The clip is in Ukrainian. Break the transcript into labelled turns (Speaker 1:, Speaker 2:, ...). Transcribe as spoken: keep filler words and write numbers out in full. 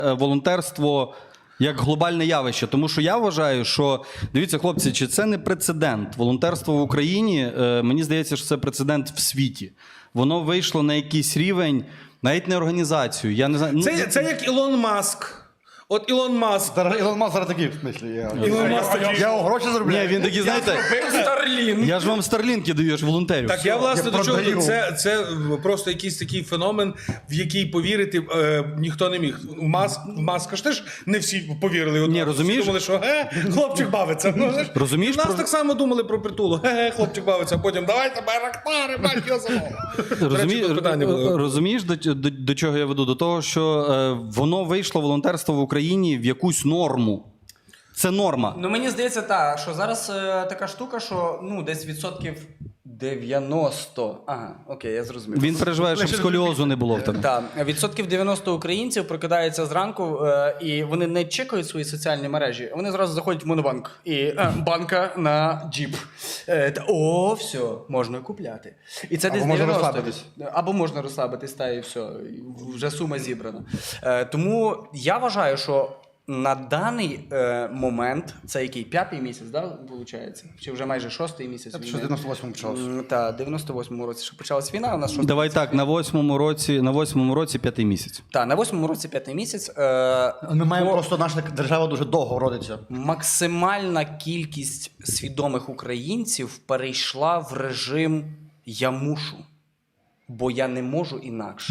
Speaker 1: волонтерство як глобальне явище. Тому що я вважаю, що, дивіться, хлопці, чи це не прецедент? Волонтерство в Україні, мені здається, що це прецедент в світі. Воно вийшло на якийсь рівень, навіть не організацію. Я не знаю. Ну,
Speaker 2: Це, це як Ілон Маск. От Ілон Маск.
Speaker 3: Ілон Маск зараз такий, в смислі. Я,
Speaker 2: Ілон Маск такий.
Speaker 3: я його гроші заробляю.
Speaker 1: Ні, він такий, знаєте,
Speaker 2: Старлін.
Speaker 1: я ж вам старлінки даю, я ж волонтерю.
Speaker 2: Так, я, власне,
Speaker 3: Я
Speaker 2: до чого?
Speaker 3: продаю.
Speaker 2: Це, це просто якийсь такий феномен, в який повірити е, ніхто не міг. Маск, Маска ж теж не всі повірили. Одразу.
Speaker 1: Ні, розумієш?
Speaker 2: Всі думали, що ге, хлопчик бавиться. Ну, знаєш,
Speaker 1: Розумієш,
Speaker 2: і в нас
Speaker 1: про-
Speaker 2: так само думали про притулу. Ге-ге, хлопчик бавиться, а потім давайте байрактари, бать його замовимо.
Speaker 1: Розумі...
Speaker 2: тут питання було.
Speaker 1: Розумієш, до, до, до чого я веду? До того, що е, воно вийшло, волонтерство в Україні, в якусь норму. Це норма.
Speaker 4: Ну мені здається, так, що зараз е, така штука, що ну десь відсотків дев'яносто. Ага, окей, я зрозумів.
Speaker 1: Він переживає, щоб сколіозу не було в тебе.
Speaker 4: Так, відсотків дев'яносто українців прокидаються зранку е, і вони не чекають свої соціальні мережі. Вони зразу заходять в Монобанк і е, банка на джіп. Е, та, о, все, можна купляти. І це
Speaker 3: Або
Speaker 4: десь
Speaker 3: можна
Speaker 4: дев'яносто.
Speaker 3: розслабитись.
Speaker 4: Або можна розслабитись, та і все, і вже сума зібрана. Е, тому я вважаю, що на даний е, момент, це який, п'ятий місяць, да, виходить? Чи вже майже шостий місяць?
Speaker 3: Це
Speaker 4: війни?
Speaker 3: що в дев'яносто восьмому почалося.
Speaker 4: М, Та, в дев'яносто восьмому році, що почалась війна, у нас шостий
Speaker 1: Давай
Speaker 4: місяць.
Speaker 1: так, на восьмому році, на восьмому році п'ятий місяць.
Speaker 4: Так, на восьмому році п'ятий місяць. Е,
Speaker 3: Ми маємо
Speaker 4: бо
Speaker 3: просто, наша держава дуже довго родиться.
Speaker 4: максимальна кількість свідомих українців перейшла в режим «я мушу», бо я не можу інакше.